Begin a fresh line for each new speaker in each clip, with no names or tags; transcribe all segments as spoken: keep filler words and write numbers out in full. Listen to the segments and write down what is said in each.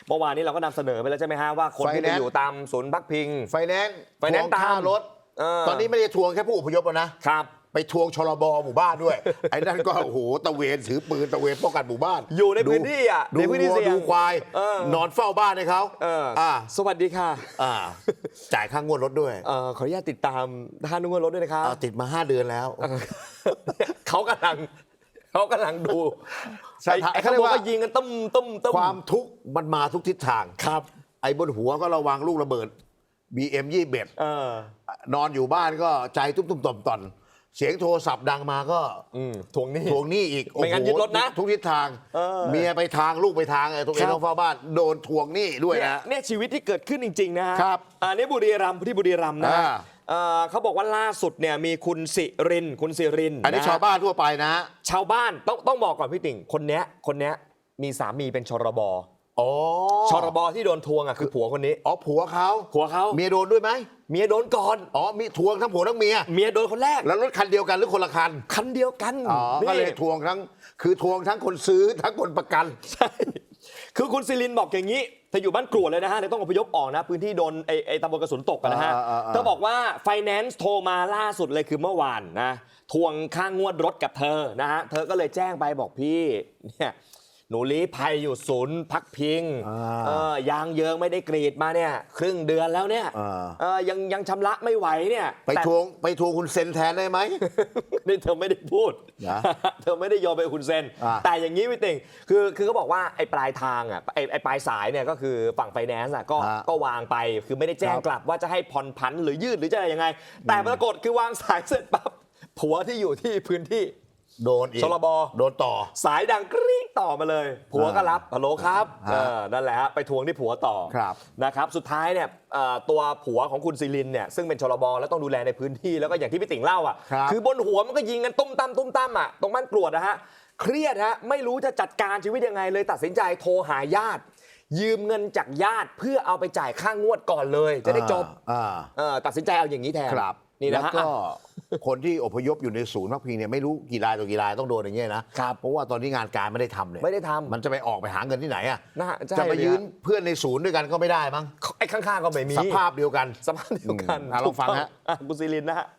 เมื่อวานนี้เราก็นำเสนอไปแล้วใช่ไหมฮะว่าคนที่ไปอยู่ตามศูนย์พักพิง
ไฟแนนซ์
ไฟแนนซ์ตาม
รถตอนนี้ไม่ได้ทวงแค่ผู้อพยพแล้วนะครับไปทวงชลบหมู่บ้านด้วยไอ้นั่นก็โอ้โหตะเวนถือปืนตะเวนป้องกันหมู่บ้าน
อยู่ในพื้นที่อ่ะ
ในพื้นที่เสี่ยงดูควายนอนเฝ้าบ้านให้เขา
อ่าสวัสดีค่ะ
อ่าจ่ายค่างวดรถด้วย
เออขออนุญาตติดตามค่างวดรถด้วยนะครับ
ติดมาห้าเดือนแล้ว
เขากำลังเขากำลังดูไอ้เขาบอกว่ายิงกันตุ้มตุ้มตุ้ม
ความทุกข์มันมาทุกทิศทาง
ครับ
ไอ้บนหัวก็ระวังลูกระเบิด บี เอ็ม ยี่สิบเอ็ดนอนอยู่บ้านก็ใจตุ้มตุ้มต่อมต่อนเสียงโทรศัพท์ดังมาก็
ทวงหนี้
ทวงหนี้อีก
ไม่งั้นยึดรถนะ
ทุกทิศทางเมียไปทางลูกไปทางไอ้ตัวเองต้องเฝ้าบ้านโดนทวงหนี้ด้วยนะ
เนี่ยชีวิตที่เกิดขึ้นจริงๆนะฮะอันนี้บุรีรัมย์ที่บุรีรัมย์นะเขาบอกว่าล่าสุดเนี่ยมีคุณสิรินคุณสิริน
อันนี้ชาวบ้านทั่วไปนะ
ชาวบ้านต้องต้องบอกก่อนพี่ติ่งคนเนี้ยคนเนี้ยมีสามีเป็นชรบ
อ๋อ
ชรบที่โดนทวงอ่ะคือผัวคนนี้
อ๋อผัวเขา
ผัวเขา
เมียโดนด้วยไหม
เมียโดนก่อน
อ๋อมีทวงทั้งผัวทั้งเมีย
เมียโดนคนแรก
แล้วรถคันเดียวกันหรือคนละคัน
คันเดียวกัน
อ๋อก็เลยทวงทั้งคือทวงทั้งคนซื้อทั้งคนประกัน
ใช่คือคุณซิลินบอกอย่างนี้เธออยู่บ้านกรวดเลยนะฮะเลยต้องอพยพออกนะพื้นที่โดนไอ้ไอ้ตำบลกระสุนตกกันนะฮะเธอบอกว่าไฟแนนซ์โทรมาล่าสุดเลยคือเมื่อวานนะทวงค่างวดรถกับเธอนะฮะเธอก็เลยแจ้งไปบอกพี่เนี่ยหนูลี้ภัยอยู่ศูนย์พักพิงยางเยิงไม่ได้กรีดมาเนี่ยครึ่งเดือนแล้วเนี่ยยังยังชำระไม่ไหวเนี่ย
ไปทวงไปทวงคุณเซนแทนได้ไหม
นี่เธอไม่ได้พูดเธอไม่ได้โยนไปคุณเซนแต่อย่างนี้พี่ติ่งคือคือเขาบอกว่าไอ้ปลายทางอ่ะไอ้ไอ้ปลายสายเนี่ยก็คือฝั่งไฟแนนซ์อ่ะก็ก็วางไปคือไม่ได้แจ้งกลับว่าจะให้ผ่อนผันหรือยืดหรือจะอะไรยังไงแต่ปรากฏคือวางสายเสร็จปั๊บผัวที่อยู่ที่พื้นที่
โดนอีก
ชลบ
โดนต่อ
สายดังกรี๊ดต่อมาเลยผัวก็รับฮัลโหลครับนั่นแหละฮะไปทวงที่ผัวต่อนะครับสุดท้ายเนี่ยตัวผัวของคุณซิลินเนี่ยซึ่งเป็นชลบแล้วต้องดูแลในพื้นที่แล้วก็อย่างที่พี่ติ่งเล่าอ่ะคือบนหัวมันก็ยิงกันตุ้มตั้มตุ้มตั้มอ่ะตรงบ้านกรวดนะฮะเครียดฮะไม่รู้จะจัดการชีวิตยังไงเลยตัดสินใจโทรหาญาติยืมเงินจากญาติเพื่อเอาไปจ่ายค่างวดก่อนเลยจะได้จบตัดสินใจเอาอย่างนี้แทน
นี่นะก็คนที่อพยพอยู่ในศูนย์พักพิงเนี่ยไม่รู้กี่รายต่อกี่รายต้องโดนอย่างเงี้ยนะเพราะว่าตอนนี้งานการไม่ได้ทำเลย
ไม่ได้ทำ
มันจะไปออกไปหาเงินที่ไหนอ่ะจะไปยืนเพื่อนในศูนย์ด้วยกันก็ไม่ได้มั้ง
ไอ้ข้างๆก็ไม่มี
สภาพเดียวกัน
สภาพเดียวกัน
ลองฟังฮะ
คุณซิลินนะฮะ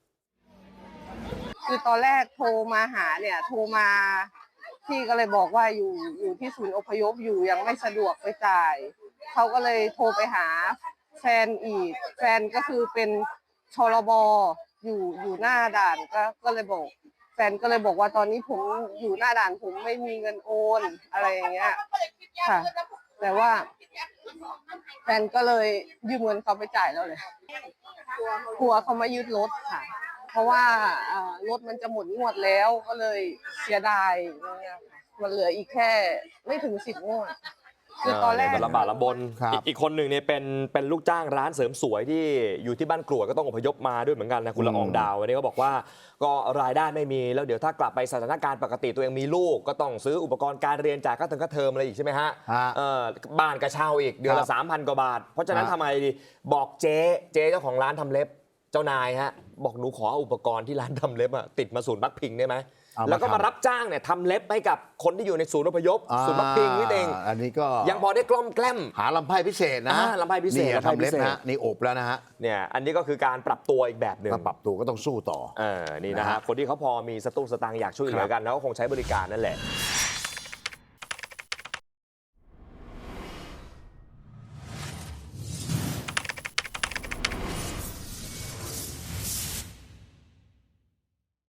คือตอนแรกโทรมาหาเนี่ยโทรมาพี่ก็เลยบอกว่าอยู่อยู่ที่ศูนย์อพยพอยู่ยังไม่สะดวกไปจ่ายเขาก็เลยโทรไปหาแฟนอีกแฟนก็คือเป็นชลบอยู่อยู่หน้าด่านก็ก็เลยบอกแฟนก็เลยบอกว่าตอนนี้ผมอยู่หน้าด่านผมไม่มีเงินโอนอะไรอย่างเงี้ยค่ะแต่ว่าแฟนก็เลยยืมเงินเขาไปจ่ายแล้วเลยกลัวเขามายึดรถค่ะเพราะว่ารถมันจะหมดงวดแล้วก็เลยเสียดายเนี่ยมันเหลืออีกแค่ไม่ถึงสิบงวดคือตอนแรก
ลำบากลำบนอีกคนหนึ่งเนี่ยเป็นเป็นลูกจ้างร้านเสริมสวยที่อยู่ที่บ้านกรวดก็ต้องอพยพมาด้วยเหมือนกันนะคุณละอองดาววันนี้ก็บอกว่าก็รายได้ไม่มีแล้วเดี๋ยวถ้ากลับไปสถานการณ์ปกติตัวเองมีลูกก็ต้องซื้ออุปกรณ์การเรียนจ่ายค่าเทอมค่าเทอมอะไรอีกใช่ไหมฮะบ้านกระเช่าอีกเดือนละสามพันกว่าบาทเพราะฉะนั้นทำไมดีบอกเจ๊เจ๊เจ้าของร้านทำเล็บเจ้านายฮะบอกหนูขออุปกรณ์ที่ร้านทำเล็บอะติดมาศูนย์พักพิงได้ไหมแล้วก็มารับจ้างเนี่ยทำเล็บให้กับคนที่อยู่ในศูนย์อพยพศูนย์พักพิงนี่เอง
อันนี้ก็
ยังพอได้กล้อมแกล้ม
หาลำไพ่พิเศษนะ
ลำไพ่พิเศษ
ทำเล็บนะนี่อบแล้วนะฮะ
เนี่ยอันนี้ก็คือการปรับตัวอีกแบบหนึ่ง
ปรับตัวก็ต้องสู้ต่อ
เออนี่นะฮะคนที่เขาพอมีสตุ้งสตางค์อยากช่วยเหลือกันแล้วก็คงใช้บริการนั่นแหละ